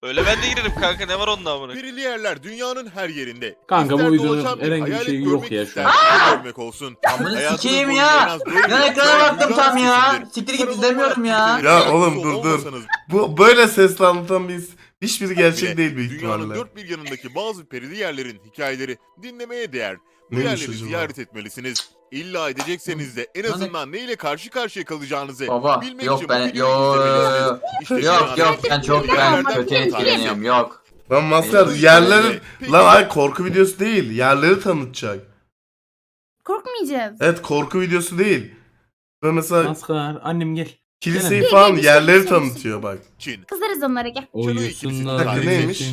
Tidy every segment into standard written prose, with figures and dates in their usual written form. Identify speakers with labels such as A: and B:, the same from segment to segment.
A: Öyle ben de girerim kanka, ne var onda amına.
B: Perili yerler dünyanın her yerinde.
C: Kanka bu
B: İster
C: videonun
B: dolaşan bir
C: herhangi bir
B: hayalet
C: şeyi
B: görmek
C: yok ya şu
B: ister,
C: an.
B: görmek olsun.
D: Amına
B: Hayatınız
D: sikeyim
B: boyunca
D: ya.
B: en az böyle
D: Ben
B: bir
D: ekrana
B: hikaye
D: baktım
B: duyacağınız
D: tam ya.
B: kesindir.
D: Siktir git
B: Paranormal
D: izlemiyorum ya.
B: aktivitelerin
E: Ya oğlum
B: meraklısı
E: dur.
B: olmasanız
E: Bu böyle sesle anlatan bir hiçbiri gerçek
B: bile
E: değil büyük
B: dünyanın
E: ihtimalle.
B: dört bir yanındaki bazı perili yerlerin hikayeleri dinlemeye değer. Bu
E: Neymiş
B: yerleri
E: acaba?
B: ziyaret etmelisiniz. İlla edecekseniz de en azından neyle karşı karşıya kalacağınızı
D: Baba
B: bilmek
D: yok
B: için
D: ben
B: bu videoyu izlemelisiniz. İşte
D: yok
B: dünyanın
D: ben çok
B: perili
D: ben
B: yerlerden
D: kötü
B: bir tanesi.
D: etkileniyorum yok.
E: Lan maskar
D: Peki.
E: yerleri...
B: Peki.
E: Lan hayır korku videosu değil. Yerleri tanıtacak.
F: Korkmayacağız.
E: Evet korku videosu değil. Ve mesela
C: Maskar annem gel.
E: kiliseyi
C: Gel,
E: falan
F: gel,
E: yerleri
F: bir şey, bir şey.
E: tanıtıyor bak.
B: Çin.
F: Kızarız onlara gel.
C: Uyusunlar.
B: Dakika,
E: neymiş?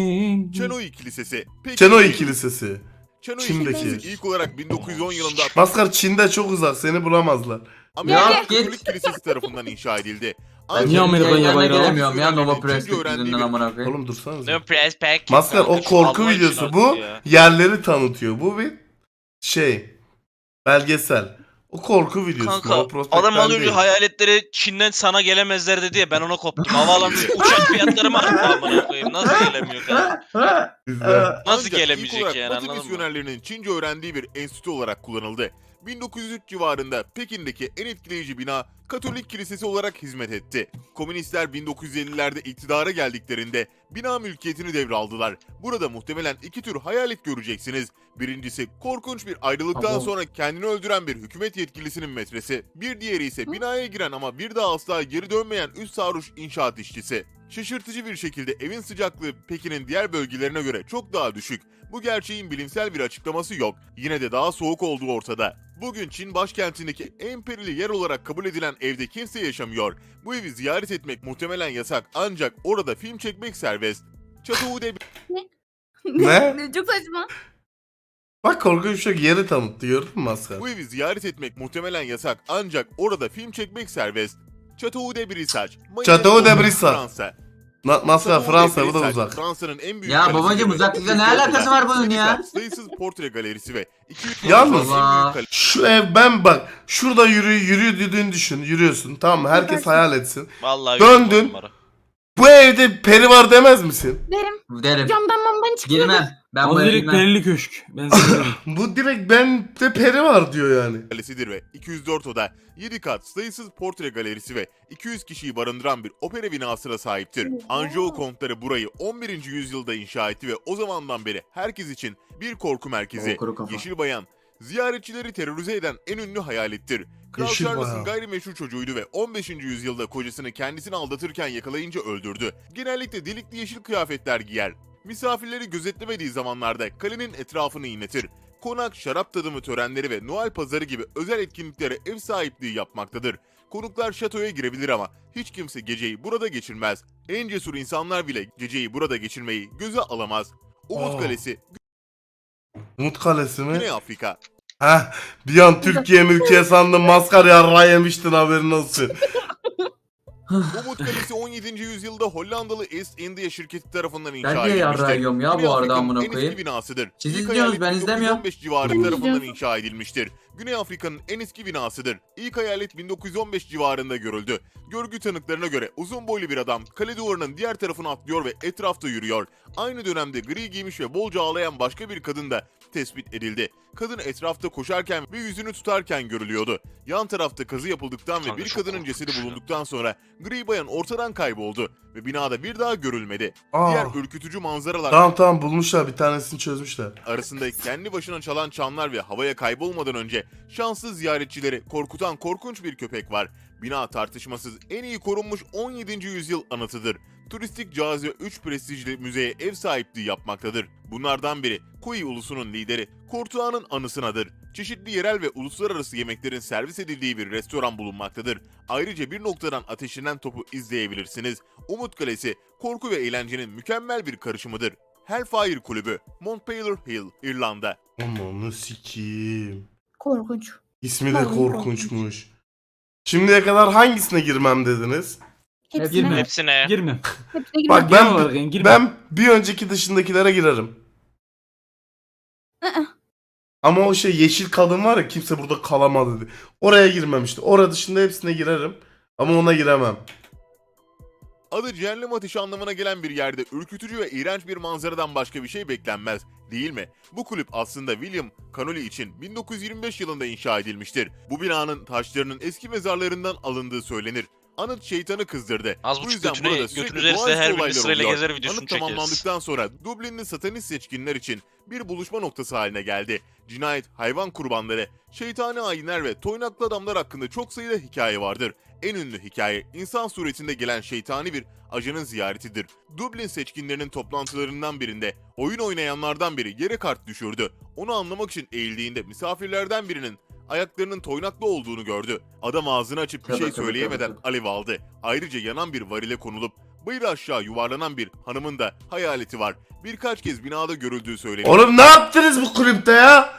B: Çenoi Kilisesi. Peki,
E: Çenoi Kilisesi.
B: Çenoi
E: Çin'deki.
B: Kilisesi ilk olarak 1910 yılında
E: Maskar Çin'de çok uzak seni bulamazlar.
B: Amerika
D: Ya,
B: Katolik
D: git.
B: Kilisesi tarafından inşa edildi.
D: Ben
C: Niye
D: Amerika'ya
C: Amerika'ya bayrağı?
D: gelemiyorum ya Nova
B: Çince
D: Press
B: öğrendiği
D: yüzünden
B: bir-
D: amına koyayım.
E: Oğlum dursanız.
A: Ne press pack.
E: Maskar o
A: kanka,
E: korku
A: Allah için
E: videosu
A: artık
E: bu
A: ya.
E: yerleri tanıtıyor. Bu bir şey belgesel. O korku videosu.
A: Kanka
E: o prospektten
A: adam az önce
E: değil.
A: hayaletleri Çin'den sana gelemezler dedi ya, ben ona koptum. Havaalanı uçak fiyatları mı arttı amına koyayım? Nasıl gelemiyor kanka?
E: Bizde.
A: Nasıl
B: Ancak ilk
A: gelemeyecek
B: olarak
A: yani,
B: Batı
A: anladın mı?
B: misyonerlerinin Çince öğrendiği bir enstitü olarak kullanıldı. 1903 civarında Pekin'deki en etkileyici bina Katolik Kilisesi olarak hizmet etti. Komünistler 1950'lerde iktidara geldiklerinde bina mülkiyetini devraldılar. Burada muhtemelen iki tür hayalet göreceksiniz. Birincisi korkunç bir ayrılıktan
D: Abo.
B: sonra kendini öldüren bir hükümet yetkilisinin metresi. Bir diğeri ise binaya giren ama bir daha asla geri dönmeyen üst sarhoş inşaat işçisi. Şaşırtıcı bir şekilde evin sıcaklığı Pekin'in diğer bölgelerine göre çok daha düşük. Bu gerçeğin bilimsel bir açıklaması yok. Yine de daha soğuk olduğu ortada. Bugün Çin başkentindeki en perili yer olarak kabul edilen evde kimse yaşamıyor. Bu evi ziyaret etmek muhtemelen yasak ancak orada film çekmek serbest. Chateau
E: Ne?
F: Çok saçma.
E: Bak korkunç bir şey yeri tanıttı gördün mü Maskar?
B: Bu evi ziyaret etmek muhtemelen yasak ancak orada film çekmek serbest. Chateau de Brissac.
E: Chateau de Brissac.
B: Fransa.
E: Maskar
B: Chateau de
E: Fransa bu da
B: Brissac,
E: uzak.
B: Fransa'nın en büyük
D: Ya
B: kalesi
D: babacım,
B: gibi.
D: uzaklıkla ne alakası var bunun ya?
B: Sayısız portre galerisi ve 200
E: Yalnız-
B: Fransa'nın en büyük
E: Şu ev ben bak şurada yürüdüğünü düşün yürüyorsun tamam mı herkes
F: Bakarsın.
E: hayal etsin.
A: Vallahi
E: Döndün.
A: yok numara.
E: Bu evde peri var demez misin?
F: Derim.
D: Derim.
F: Camdan mamban çıkıyor.
D: Girmem. Ben
C: O
D: bu eve
C: direkt
D: girmem.
C: perili köşk. Ben sana
E: Bu direkt bende peri var diyor yani.
B: kalesidir ve 204 oda, 7 kat, sayısız portre galerisi ve 200 kişiyi barındıran bir opera binasına sahiptir. Anjou kontları burayı 11. yüzyılda inşa etti ve o zamandan beri herkes için bir korku merkezi.
D: O kuru kafa.
B: Yeşil Bayan, ziyaretçileri terörize eden en ünlü hayalettir. Kral
E: Yeşil
B: Charles'ın
E: Bayan.
B: gayrimeşru çocuğuydu ve 15. yüzyılda kocasını kendisini aldatırken yakalayınca öldürdü. Genellikle delikli yeşil kıyafetler giyer. Misafirleri gözetlemediği zamanlarda kalenin etrafını inletir. Konak, şarap tadımı törenleri ve Noel pazarı gibi özel etkinliklere ev sahipliği yapmaktadır. Konuklar şatoya girebilir ama hiç kimse geceyi burada geçirmez. En cesur insanlar bile geceyi burada geçirmeyi göze alamaz. Umut
E: Aa.
B: Kalesi,
E: Umut Kalesi mi?
B: Güney Afrika.
E: Heh bir an Türkiye sandım Maskar yarrağı yemiştin haberin olsun.
B: Umut Kalesi 17. yüzyılda Hollandalı East India şirketi tarafından inşa
D: Ben
B: edilmiştir.
D: niye yarrağı yiyorum ya
B: Güney
D: bu arada
B: Afrika'nın
D: amına
B: en
D: koyayım?
B: eski binasıdır.
D: Siz
B: İlk
D: izliyorsunuz,
B: hayalet
D: ben izlemiyorum.
B: 1915 civarı
F: Ben
B: tarafından
F: izliyorum.
B: inşa edilmiştir. Güney Afrika'nın en eski binasıdır. İlk hayalet 1915 civarında görüldü. Görgü tanıklarına göre uzun boylu bir adam kale duvarının diğer tarafına atlıyor ve etrafta yürüyor. Aynı dönemde gri giymiş ve bolca ağlayan başka bir kadın da tespit edildi. Kadın etrafta koşarken ve yüzünü tutarken görülüyordu. Yan tarafta kazı yapıldıktan ve
A: Kanka
B: bir
A: çok
B: kadının cesedi
A: korkunç.
B: bulunduktan sonra gri bayan ortadan kayboldu ve binada bir daha görülmedi.
E: Aa.
B: Diğer ürkütücü manzaralar
E: Tamam bulmuşlar bir tanesini çözmüşler.
B: arasında kendi başına çalan çanlar ve havaya kaybolmadan önce şanssız ziyaretçileri korkutan korkunç bir köpek var. Bina tartışmasız en iyi korunmuş 17. yüzyıl anıtıdır. Turistik cazibe 3 prestijli müzeye ev sahipliği yapmaktadır. Bunlardan biri Kui ulusunun lideri Kortuğa'nın anısınadır. Çeşitli yerel ve uluslararası yemeklerin servis edildiği bir restoran bulunmaktadır. Ayrıca bir noktadan ateşlenen topu izleyebilirsiniz. Umut Kalesi, korku ve eğlencenin mükemmel bir karışımıdır. Hellfire Kulübü, Montpelier Hill, İrlanda.
E: Amanı sikiyim.
F: Korkunç.
E: İsmi de
F: Vallahi
E: korkunçmuş. Şimdiye kadar hangisine girmem dediniz?
F: Hepsine.
C: Girme.
A: Hepsine.
C: girmem.
F: Hepsine girme.
E: Bak
C: Genel olarak yani girmem.
E: ben bir önceki dışındakilere girerim.
F: Aa.
E: Ama o şey yeşil kadın var ya kimse burada kalamadı dedi. Oraya girmem işte. Orada dışında hepsine girerim. Ama ona giremem.
B: Adı cehennem ateşi anlamına gelen bir yerde ürkütücü ve iğrenç bir manzaradan başka bir şey beklenmez, değil mi? Bu kulüp aslında William Connolly için 1925 yılında inşa edilmiştir. Bu binanın taşlarının eski mezarlarından alındığı söylenir. Anıt şeytanı kızdırdı.
A: Az
B: Bu
A: buçuk
B: yüzden
A: götünü-
B: burada sürekli
A: götünüzü
B: doğaüstü
A: her birini
B: olaylar
A: sırayla
B: oluyor.
A: gezer, videosunu
B: Anıt
A: çekeriz.
B: tamamlandıktan sonra Dublin'li satanist seçkinler için bir buluşma noktası haline geldi. Cinayet, hayvan kurbanları, şeytani ayinler ve toynaklı adamlar hakkında çok sayıda hikaye vardır. En ünlü hikaye, insan suretinde gelen şeytani bir ajanın ziyaretidir. Dublin seçkinlerinin toplantılarından birinde oyun oynayanlardan biri yere kart düşürdü. Onu anlamak için eğildiğinde misafirlerden birinin ayaklarının toynaklı olduğunu gördü. Adam ağzını açıp bir
D: Tabii,
B: şey
D: tabii,
B: söyleyemeden
D: tabii.
B: alev aldı. Ayrıca yanan bir varile konulup bayır aşağı yuvarlanan bir hanımın da hayaleti var. Birkaç kez binada görüldüğü söyleniyor.
E: Oğlum ne yaptınız bu kulüpte ya?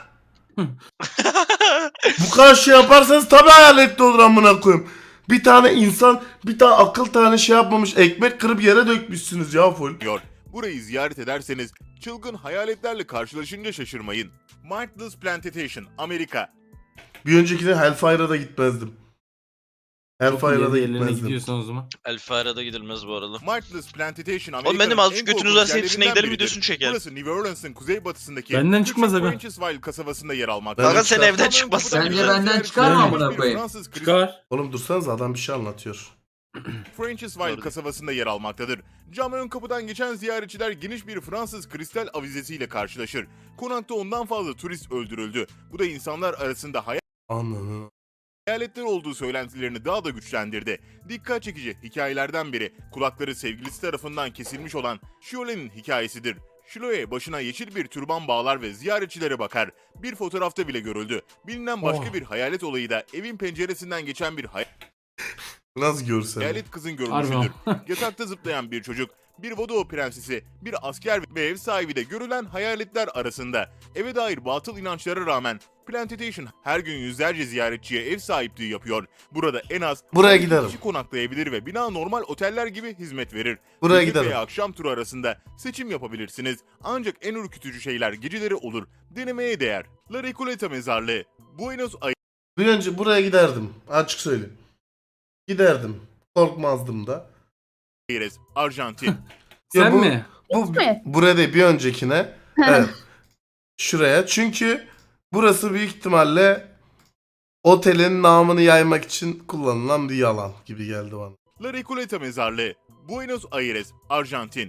E: Bu kadar şey yaparsanız tabii hayaletli olur amına koyayım. Bir tane insan, bir tane akıl tane şey yapmamış, ekmek kırıp yere dökmüşsünüz ya full.
B: Burayı ziyaret ederseniz çılgın hayaletlerle karşılaşınca şaşırmayın. Mindless Plantation, Amerika.
E: Bir öncekine Hellfire'a da gitmezdim. Hellfire'a da
C: Yerine
E: gitmezdim.
C: gidiyorsan o zaman.
A: El Farah'da gidilmez bu arada.
B: Mindless Plantation, Amerika'nın
A: Oğlum benim azıcık
B: en
A: götünüz
B: korkunç
A: varsa hepsine
B: yerlerinden
A: gidelim,
B: biridir.
A: videosunu çekelim.
B: Burası New Orleans'ın kuzeybatısındaki
C: Benden çıkmaz
B: küçük
C: aga.
B: Francisville kasabasında yer almaktadır.
A: Kanka sen
E: çıkar.
A: evden çıkmazsan
D: Bence
A: güzel.
D: benden çıkar mı amına koyayım?
B: Fransız
C: Çıkar.
E: Oğlum dursanız adam bir şey anlatıyor.
B: Francisville
A: Doğru.
B: kasabasında yer almaktadır. Cam ön kapıdan geçen ziyaretçiler geniş bir Fransız kristal avizesiyle karşılaşır. Konakta ondan fazla turist öldürüldü. Bu da insanlar arasında
E: Ananı.
B: hayaletler olduğu söylentilerini daha da güçlendirdi. Dikkat çekici hikayelerden biri kulakları sevgilisi tarafından kesilmiş olan Shiole'nin hikayesidir. Shilo'ya başına yeşil bir türban bağlar ve ziyaretçilere bakar. Bir fotoğrafta bile görüldü. Bilinen başka
E: Oh.
B: bir hayalet olayı da evin penceresinden geçen bir
E: Nasıl görsen.
B: hayalet kızın
C: Harbi
B: görünüşüdür.
C: ama.
B: Yatakta zıplayan bir çocuk, bir Vodou prensesi, bir asker ve ev sahibi de görülen hayaletler arasında. Eve dair batıl inançlara rağmen Plantation her gün yüzlerce ziyaretçiye ev sahipliği yapıyor. Burada en az
E: Buraya
B: 12
E: giderim.
B: kişi konaklayabilir ve bina normal oteller gibi hizmet verir.
E: Buraya
B: Gündüz
E: giderim.
B: veya akşam turu arasında seçim yapabilirsiniz. Ancak en ürkütücü şeyler geceleri olur. Denemeye değer. La Recoleta mezarlığı. Buenos
E: Bir önce buraya giderdim. Açık söyleyeyim. Giderdim. Korkmazdım da.
B: Aires, Arjantin.
C: Sen
E: bu-
C: mi?
E: Bu
F: mi?
E: buraya değil bir öncekine. Evet. Şuraya. Çünkü burası büyük ihtimalle otelin namını yaymak için kullanılan bir yalan gibi geldi bana.
B: La Recoleta mezarlığı. Buenos Aires, Arjantin.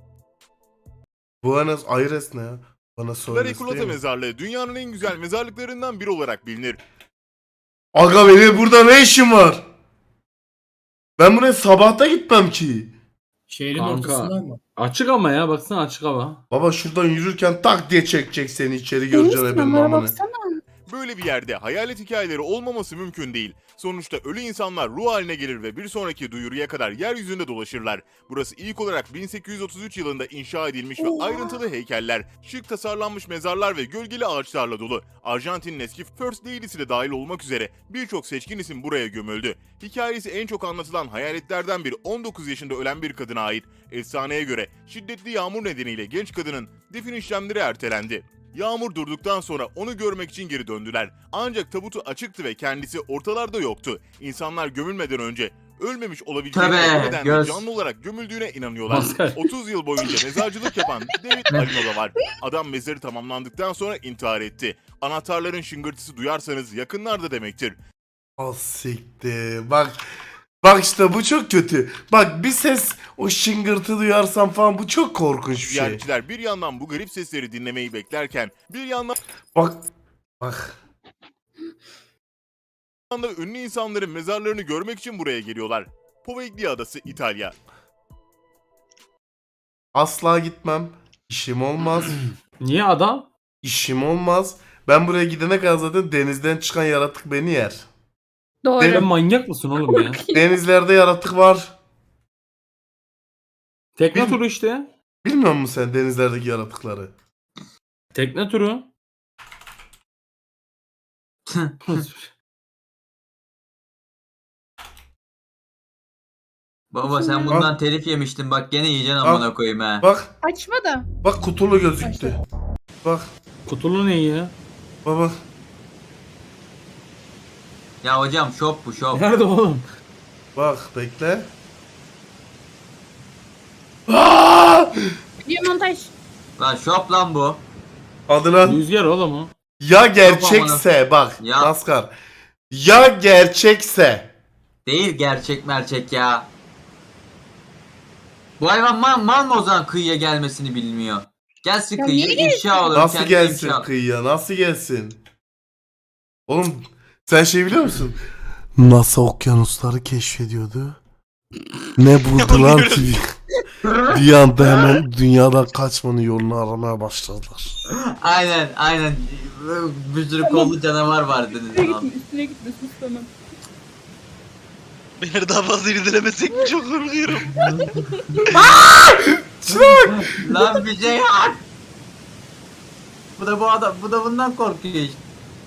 E: Buenos Aires ne ya? Bana
B: La
E: söyle.
B: Recoleta mezarlığı dünyanın en güzel mezarlıklarından biri olarak bilinir.
E: Aga benim burada ne işim var? Ben buraya sabahta gitmem ki.
G: Şehrin
C: Kanka.
G: ortasında mı?
C: Açık ama ya baksana açık hava.
E: Baba şuradan yürürken tak diye çekecek seni içeri göreceksin
F: Deniz
E: benim
F: kenara
E: amını.
F: baksana.
B: Böyle bir yerde hayalet hikayeleri olmaması mümkün değil. Sonuçta ölü insanlar ruh haline gelir ve bir sonraki duyuruya kadar yeryüzünde dolaşırlar. Burası ilk olarak 1833 yılında inşa edilmiş ve ayrıntılı heykeller, şık tasarlanmış mezarlar ve gölgeli ağaçlarla dolu. Arjantin'in eski First Lady'si de dahil olmak üzere birçok seçkin isim buraya gömüldü. Hikayesi en çok anlatılan hayaletlerden biri 19 yaşında ölen bir kadına ait. Efsaneye göre şiddetli yağmur nedeniyle genç kadının defin işlemleri ertelendi. Yağmur durduktan sonra onu görmek için geri döndüler. Ancak tabutu açıktı ve kendisi ortalarda yoktu. İnsanlar gömülmeden önce ölmemiş olabileceğini
D: Tabii,
B: ve bu nedenle
D: göz.
B: canlı olarak gömüldüğüne inanıyorlar.
C: Maskar.
B: 30 yıl boyunca mezarcılık yapan David Alino da var. Adam mezarı tamamlandıktan sonra intihar etti. Anahtarların şıngırtısı duyarsanız yakınlarda demektir.
E: Ah siktir. Bak işte bu çok kötü. Bak bir ses o şıngırtı duyarsam falan bu çok korkunç bir şey.
B: Ziyaretçiler bir yandan bu garip sesleri dinlemeyi beklerken bir yandan
E: Bak.
B: da ünlü insanların mezarlarını görmek için buraya geliyorlar. Poveglia Adası, İtalya.
E: Asla gitmem. İşim olmaz.
C: Niye adam?
E: İşim olmaz. Ben buraya gidene kadar zaten denizden çıkan yaratık beni yer.
F: Doğru.
C: Sen manyak mısın oğlum ya?
E: Denizlerde yaratık var.
C: Tekne
E: Bil-
C: turu işte.
E: Bilmiyor musun sen denizlerdeki yaratıkları?
C: Tekne turu.
D: Baba sen bundan telif yemiştin bak gene yiyeceksin
E: Al.
D: amına koyayım ha.
E: Bak.
F: Açma da.
E: Bak kutulu gözüktü. Bak.
C: Kutulu ne ya?
E: Baba.
D: Ya hocam şop bu şop.
C: Nerede oğlum?
E: Bak bekle.
F: Video montaj.
D: Lan şop lan bu.
E: Hadi lan.
C: Rüzgar oğlum o.
E: Ya gerçekse bak
D: Ya.
E: Maskar. Ya gerçekse.
D: Değil gerçek merçek ya. Bu hayvan mal mı o zaman kıyıya gelmesini bilmiyor. Gelsin
F: Ya
D: kıyıya
F: niye
D: ifşa olur.
E: Nasıl
D: kendine
E: gelsin
D: ifşa.
E: kıyıya? Nasıl gelsin? Oğlum sen şey biliyor musun? NASA okyanusları keşfediyordu. Ne buldular ki? Bir anda hemen dünyadan kaçmanın yolunu aramaya başladılar.
D: Aynen. Bir sürü kollu canavar var
F: Üstüne
D: dediniz.
F: gitme, üstüne gitme, sus tamam.
A: Beni daha fazla irdelemesek mi çok korkuyorum.
D: Lan bir şey yap. Bu adam bundan korkuyor işte.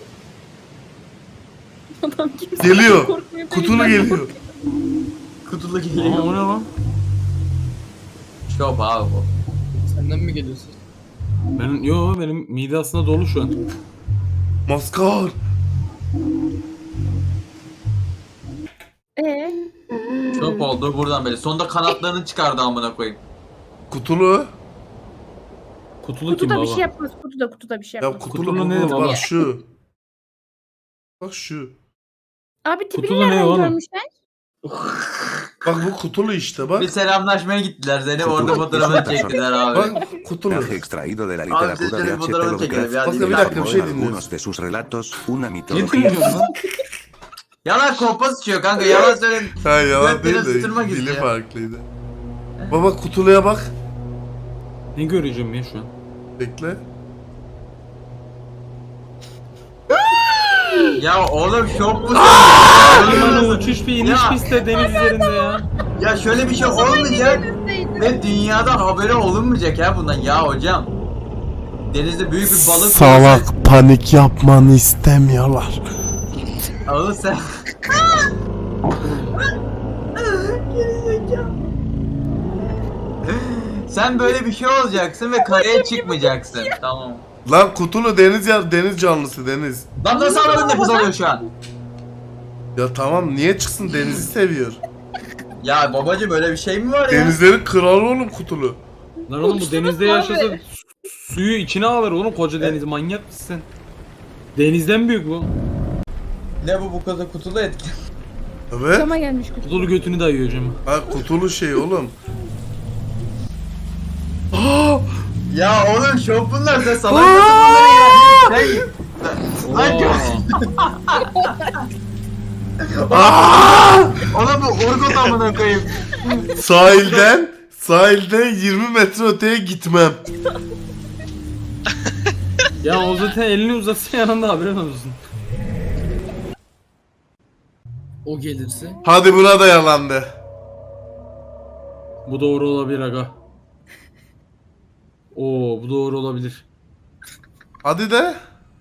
F: Adam kimse
E: Geliyor.
F: korkmuyor,
E: Kutulu
F: ben
E: geliyor.
F: korkuyorum.
D: Kutulu
C: Aa,
D: geliyor.
C: o ne lan?
D: Şop abi bu.
G: Senden mi geliyorsun?
C: Benim mide aslında dolu şu an.
E: Maskar.
D: Şop oldu buradan beri. Sonunda kanatlarını çıkardı amına koyayım.
E: Kutulu.
C: Kutulu kim
F: Kutuda
C: baba?
F: bir şey yapmaz, kutuda bir şey
E: Ya
F: yapmaz.
E: kutulu
C: Kutulu ne
E: bu.
C: baba?
E: Bak şu. Bak şu.
F: Abi tipini
C: Kutulu ne
F: nereden
C: oğlum?
F: görmüşler?
E: Bak bu kutulu işte bak.
D: Bir selamlaşmaya gittiler seni orada
H: Kutulu.
D: fotoğrafını çektiler abi.
E: Bak kutulu.
H: Personaje extraído de la
D: Abi
H: literatura
D: siz
H: de
D: şöyle
H: H.P.
D: fotoğrafını çekelim ya.
E: Bak
H: Lovecraft
E: bir
H: y
E: dakika bir
H: plasmó
E: şey
H: en
E: dinliyoruz.
H: algunos de sus relatos una
C: Ne
H: mitología.
C: dinliyorsun lan?
D: Yalan kolpa sıçıyor kanka yalan söyle.
E: Ha yalan
D: Ben
E: değil
D: biraz
E: de
D: ısıtırmak
E: dili
D: istiyor.
E: farklıydı. Baba kutuluya bak.
C: Ne göreceğim ya şu an?
E: Bekle.
D: Ya oğlum şop musun?
C: Limanı uçuş bir iniş
D: Ya.
C: pistte deniz üzerinde ya.
D: Ya şöyle bir şey olmayacak ve dünyadan haberi olunmayacak ya bundan ya hocam. Denizde büyük bir balık
E: Salak panik yapmanı istemiyorlar.
D: Oğlum sen... Sen böyle bir şey olacaksın ve karaya çıkmayacaksın. Tamam.
E: Lan kutulu deniz canlısı deniz.
D: Lan nasıl anladın nefes alıyor şu an?
E: Ya tamam niye çıksın denizi seviyor.
D: Ya babacım böyle bir şey mi var ya?
E: Denizlerin kralı oğlum kutulu.
C: Lan oğlum bu
F: Uçtunuz
C: denizde
F: mu
C: yaşasa
F: abi?
C: suyu içine alır oğlum koca deniz manyak mısın sen? Denizden büyük bu.
D: Ne bu kadar kutulu etki?
E: Evet.
F: Cama gelmiş kutu.
C: Kutulu götünü dayıyor hocam.
E: Ha kutulu şey oğlum. Aa!
D: Ya oğlum şop bunlar sen salak mısın bunları ya? Sen... Lan
E: Aa!
D: Oğlum bu Urgut amına koyayım.
E: Sahilden 20 metre öteye gitmem.
C: Ya o zaten elini uzatsa yanında haberin olsun.
G: O gelirse.
E: Hadi buna da yalandı.
C: Bu doğru olabilir aga. Oo bu doğru olabilir.
E: Hadi de.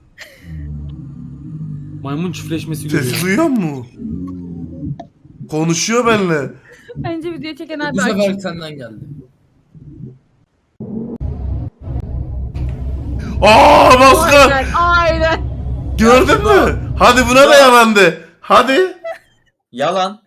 C: Maymun çiftleşmesi
E: Ses
C: görüyor.
E: duyuyor mu? Konuşuyor benimle.
F: Bence video çeken abi
G: Bu
F: aç.
G: sefer senden geldi.
E: Aa Maskar!
F: Aynen.
E: Gördün mü? Hadi buna da yalandı. Hadi.
D: Yalan.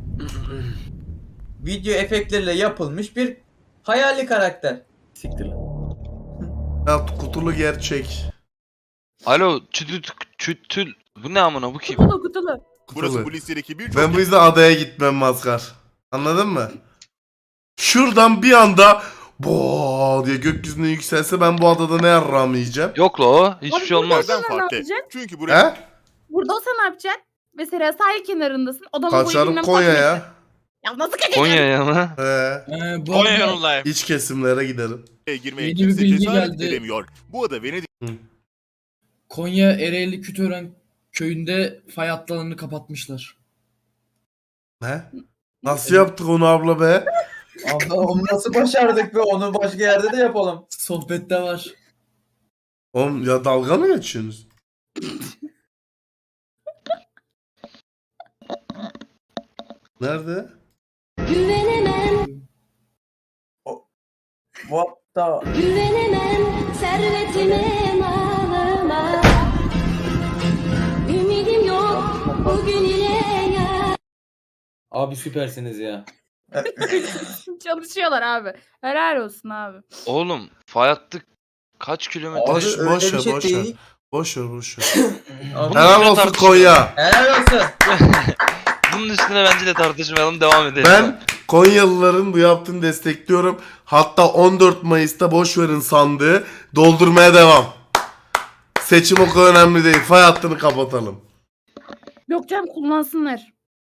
D: Video efektleriyle yapılmış bir hayali karakter.
C: Siktir lan.
E: Ya kutulu gerçek.
A: Alo çütül. Bu ne amına bu kim?
F: Kutulu.
B: Burası bu listedeki birçok
E: Ben bu yüzden adaya gitmem Maskar. Anladın mı? Şuradan bir anda bo diye gökyüzüne yükselse ben bu adada ne yarrağımı yiyeceğim?
A: Yok la o. Hiçbir
F: Abi
A: şey olmaz.
F: burada-
B: yerden
F: Ne
B: farklı.
F: yapacak?
B: Çünkü burası
E: He?
F: Burada olsa ne yapacaksın? Mesela sahil kenarındasın. Adamın boyu
E: Kaçarım
F: bilmem kaç
E: Konya'ya.
F: metre. Ya nasıl kaçacaksın?
A: Konya'ya mı?
E: He.
G: Bu
A: Konya
G: arada
A: yolundayım.
E: İç kesimlere giderim.
B: girmeye
G: Yeni bir
B: kimse
G: bilgi
B: cesaret
G: geldi.
B: edemiyor. Bu ada Venedik
G: Konya Ereğli Kütören köyünde fay hatlarını kapatmışlar.
E: Ne? Nasıl yaptık onu abla be?
D: Abi onu nasıl başardık be onu başka yerde de yapalım.
G: Sohbette var.
E: Oğlum ya dalga mı geçiyorsunuz? Nerede?
I: Güvenemem,
D: What the...
I: güvenemem servetime malıma. Ümidim yok bugün ile ya.
C: Abi süpersiniz ya.
F: Çalışıyorlar abi. Helal olsun abi.
A: Oğlum fay hattı kaç kilometre?
E: Boş,
D: öyle
E: boş
D: bir
E: ver,
D: şey
E: boş ver.
D: değil.
E: Boş ver, boş ver.
D: Abi,
A: Bunun
E: Helal
A: üstüne
E: olsun
A: tartışmayalım.
E: Konya.
D: helal olsun.
A: Bunun üstüne bence de tartışmayalım, devam edelim.
E: Ben Konyalıların bu yaptığını destekliyorum. Hatta 14 Mayıs'ta boş verin sandığı doldurmaya devam. Seçim o kadar önemli değil. Fay hattını kapatalım.
F: Yok canım kullansınlar.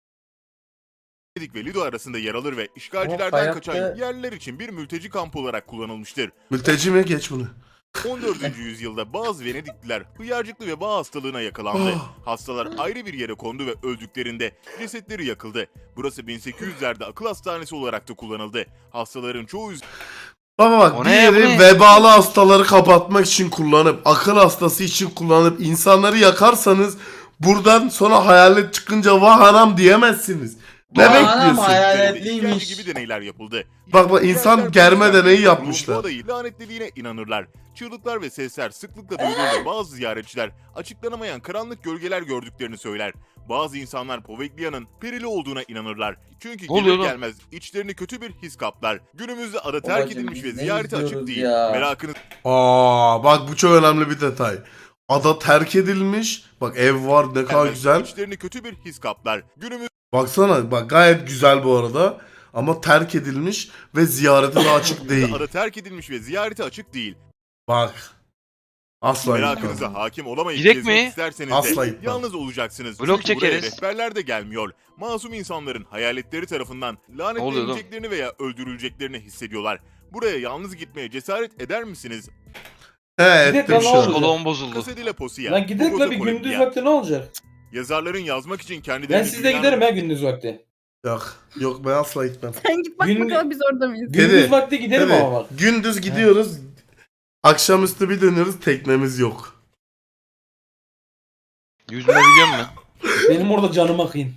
B: Venedik ve Lido arasında yer alır ve
D: Ama
B: işgalcilerden
D: hayatta-
B: kaçan yerliler için bir mülteci kampı olarak kullanılmıştır.
E: Mülteci mi? Geç bunu.
B: 14. yüzyılda bazı Venedikliler hıyarcıklı veba hastalığına yakalandı.
E: Ah.
B: Hastalar ayrı bir yere kondu ve öldüklerinde cesetleri yakıldı. Burası 1800'lerde akıl hastanesi olarak da kullanıldı. Hastaların çoğu
E: Baba bak
A: O
E: bir
A: ne ya, bu
E: yeri
A: ne?
E: vebalı hastaları kapatmak için kullanıp, akıl hastası için kullanıp insanları yakarsanız buradan sonra hayalet çıkınca vah anam diyemezsiniz. Ne
D: Vah anam,
E: bekliyorsun?
D: hayaletliymiş.
B: gibi deneyler yapıldı.
E: Bak, insan
B: Yerliler
E: germe
B: polisler
E: deneyi
B: bu
E: yapmışlar.
B: adayı lanetlediğine inanırlar. Çığlıklar ve sesler sıklıkla duyulduğunda bazı ziyaretçiler açıklanamayan karanlık gölgeler gördüklerini söyler. Bazı insanlar Poveglia'nın perili olduğuna inanırlar. Çünkü
A: oluyor
B: gelir
A: lan?
B: gelmez içlerini kötü bir his kaplar. Günümüzde ada terk
D: Babacım,
B: edilmiş ve
D: biz ne
B: ziyarete açık
D: izliyoruz
B: değil.
D: ya?
B: Merakınız
E: Bak bu çok önemli bir detay. Ada terk edilmiş. Bak ev var, ne kadar
B: gelmez
E: güzel.
B: içlerini kötü bir his kaplar. Günümüzde
E: Baksana bak, gayet güzel bu arada. Ama terk edilmiş ve ziyarete de açık değil.
B: ada terk edilmiş ve ziyarete açık değil.
E: Bak. Asla
B: Merakınıza
E: imkanı.
B: hakim olamayıp
A: Gidek
B: gezmek
A: mi?
B: isterseniz
E: Asla
B: de
E: gitmem.
B: yalnız olacaksınız.
A: Vlog
B: Çünkü buraya
A: çekeriz.
B: rehberler de gelmiyor. Masum insanların hayaletleri tarafından lanetleneceklerini veya öldürüleceklerini hissediyorlar. Buraya yalnız gitmeye cesaret eder misiniz?
E: He
C: Bir de
E: ettim şu
C: kanal
E: an.
A: Kolon bozuldu.
B: Casadilla Posia.
C: Lan gidelim
B: Bogota,
C: la bir gündüz
B: Colombia.
C: vakti ne olacak?
B: Yazarların yazmak için
C: Ben
B: kendilerini
C: sizle giderim ya gündüz vakti.
E: Yok ben asla gitmem.
F: Sen git bak
C: Gün-
F: bakalım biz orada mıyız?
E: Kedi.
C: Gündüz vakti giderim
E: Tabii,
C: ama bak.
E: gündüz gidiyoruz. Akşamüstü bir dönüyoruz, teknemiz yok.
A: Yüzme biliyor musun?
C: Benim orada canım akıyın.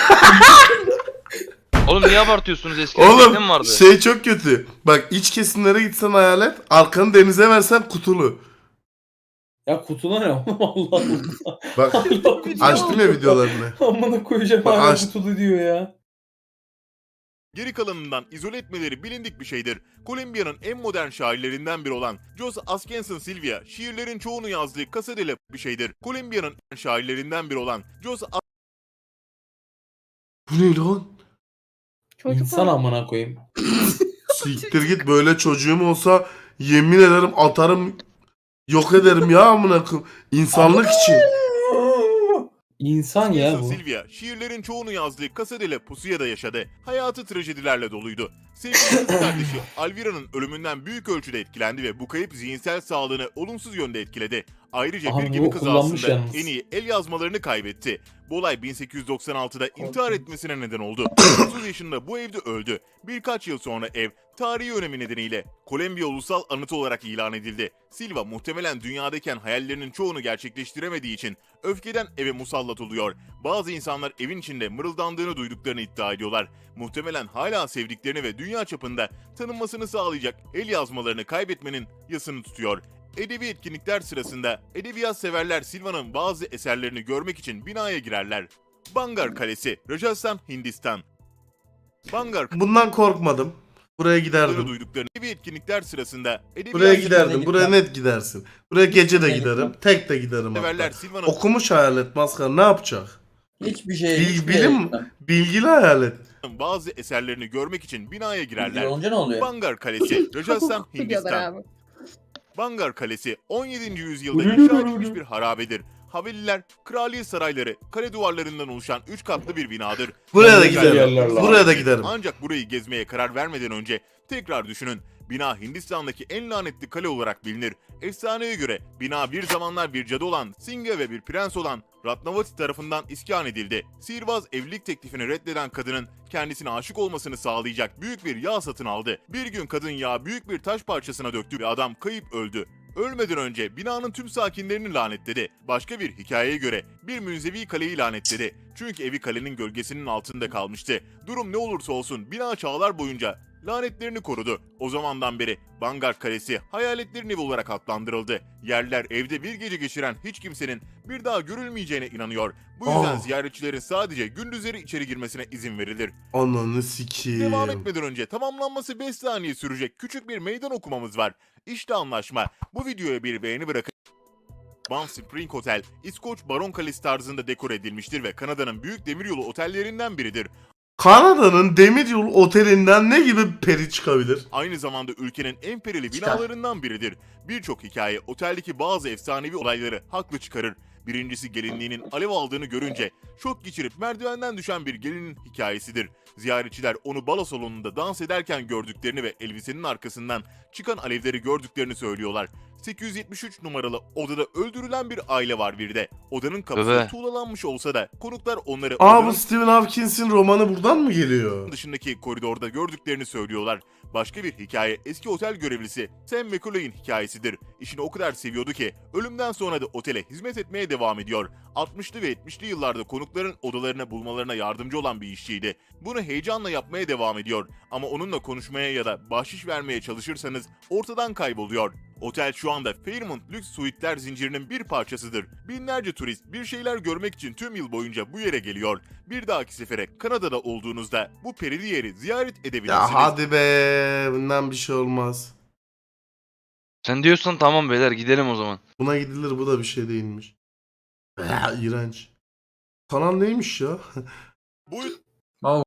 A: Oğlum niye abartıyorsunuz, eskiden tekne mi
E: Oğlum
A: vardı?
E: şey çok kötü. Bak iç kesimlere gitsen hayalet, arkanı denize versen kutulu.
C: Ya kutulu ne oğlum Allah Allah.
E: Bak
C: Allah kutulu.
E: açtım ya videolarını.
C: Amına koyacağım
E: Bak,
C: hala
E: aç-
C: kutulu diyor ya.
B: geri kalanından izole etmeleri bilindik bir şeydir. Kolombiya'nın en modern şairlerinden biri olan Jos Askenson Silvia, şiirlerin çoğunu yazdığı Casadilla bir şeydir. Kolombiya'nın en şairlerinden biri olan Jos
E: Bu ne lan?
F: Çocuk
C: İnsan
F: var.
C: amına koyayım.
E: Siktir git, böyle çocuğum olsa yemin ederim atarım, yok ederim ya amına koyayım. İnsanlık için.
C: İnsan ya
B: Askenson
C: bu.
B: Silvia, şiirlerin çoğunu yazdığı Casadilla Pusu'ya yaşadı. Hayatı trajedilerle doluydu. Sevgili kız kardeşi Alvira'nın ölümünden büyük ölçüde etkilendi ve bu kayıp zihinsel sağlığını olumsuz yönde etkiledi. Ayrıca
C: Aha,
B: bir
C: bu
B: gemi
C: kullanmış
B: kazasında
C: yalnız.
B: en iyi el yazmalarını kaybetti. Bu olay 1896'da intihar etmesine neden oldu. 30 yaşında bu evde öldü. Birkaç yıl sonra ev, tarihi önemi nedeniyle Kolombiya Ulusal Anıtı olarak ilan edildi. Silva muhtemelen dünyadayken hayallerinin çoğunu gerçekleştiremediği için öfkeden eve musallat oluyor. Bazı insanlar evin içinde mırıldandığını duyduklarını iddia ediyorlar. Muhtemelen hala sevdiklerini ve dünya çapında tanınmasını sağlayacak el yazmalarını kaybetmenin yasını tutuyor. Edebi etkinlikler sırasında edebiyat severler Silva'nın bazı eserlerini görmek için binaya girerler. Bangar Kalesi, Rajasthan, Hindistan. Bangar
E: Bundan korkmadım. Buraya
B: Kalesi'ni
E: giderdim.
B: duyduklarını edebi etkinlikler sırasında edebiyat
E: Buraya
D: gitmem.
E: giderdim. Buraya net gidersin. Buraya gece de
D: Gitmem.
E: giderim. Tek de giderim
B: severler
E: hatta.
B: Silva'nın
E: Okumuş hayalet maskara ne yapacak?
D: Hiçbir şey.
E: Bilim, bilgili hayalet.
B: bazı eserlerini görmek için binaya girerler.
D: Bilgi olunca ne oluyor?
B: Bangar Kalesi, Rajasthan,
F: Biliyorlar
B: Hindistan.
F: abi.
B: Bangar Kalesi 17. yüzyılda inşa edilmiş bir harabedir. Haveliler, kraliyet sarayları, kale duvarlarından oluşan 3 katlı bir binadır.
E: Buraya da
C: Güzel
E: giderim.
C: yerler lan.
E: Buraya da giderim.
B: Ancak burayı gezmeye karar vermeden önce tekrar düşünün. Bina Hindistan'daki en lanetli kale olarak bilinir. Efsaneye göre bina bir zamanlar bir cadı olan Singha ve bir prens olan Ratnavati tarafından iskan edildi. Sihirbaz evlilik teklifini reddeden kadının kendisine aşık olmasını sağlayacak büyük bir yağ satın aldı. Bir gün kadın yağı büyük bir taş parçasına döktü ve adam kayıp öldü. Ölmeden önce binanın tüm sakinlerini lanetledi. Başka bir hikayeye göre bir münzevi kaleyi lanetledi. Çünkü evi kalenin gölgesinin altında kalmıştı. Durum ne olursa olsun bina çağlar boyunca lanetlerini korudu. O zamandan beri Vanguard Kalesi hayaletlerin evi olarak adlandırıldı. Yerler evde bir gece geçiren hiç kimsenin bir daha görülmeyeceğine inanıyor. Bu yüzden ziyaretçilerin sadece gündüzleri içeri girmesine izin verilir.
E: Ananı sikeyim.
B: Devam etmeden önce tamamlanması 5 saniye sürecek küçük bir meydan okumamız var. İşte anlaşma. Bu videoya bir beğeni bırakın. Banff Spring Hotel, İskoç Baron Kalesi tarzında dekor edilmiştir ve Kanada'nın büyük demiryolu otellerinden biridir.
E: Kanada'nın demiryolu otelinden ne gibi peri çıkabilir?
B: Aynı zamanda ülkenin en perili
D: Çıkar.
B: binalarından biridir. Birçok hikaye oteldeki bazı efsanevi olayları haklı çıkarır. Birincisi gelinliğinin alev aldığını görünce şok geçirip merdivenden düşen bir gelinin hikayesidir. Ziyaretçiler onu balo salonunda dans ederken gördüklerini ve elbisenin arkasından çıkan alevleri gördüklerini söylüyorlar. 873 numaralı odada öldürülen bir aile var bir de. Odanın kapısı
A: Bebe.
B: tuğlalanmış olsa da konuklar onları
E: Aa,
B: odanın
E: bu Stephen Hopkins'in romanı buradan mı geliyor?
B: dışındaki koridorda gördüklerini söylüyorlar. Başka bir hikaye eski otel görevlisi Sam McCullough'in hikayesidir. İşini o kadar seviyordu ki ölümden sonra da otele hizmet etmeye devam ediyor. 60'lı ve 70'li yıllarda konukların odalarını bulmalarına yardımcı olan bir işçiydi. Bunu heyecanla yapmaya devam ediyor. Ama onunla konuşmaya ya da bahşiş vermeye çalışırsanız ortadan kayboluyor. Otel şu anda Fairmont lüks suitler zincirinin bir parçasıdır. Binlerce turist bir şeyler görmek için tüm yıl boyunca bu yere geliyor. Bir dahaki sefere Kanada'da olduğunuzda bu perili yeri ziyaret edebilirsiniz.
E: Ya hadi be, bundan bir şey olmaz.
A: Sen diyorsan tamam beyler gidelim o zaman.
E: Buna gidilir, bu da bir şey değilmiş. Ya, iğrenç. Kanal neymiş ya?
B: Bu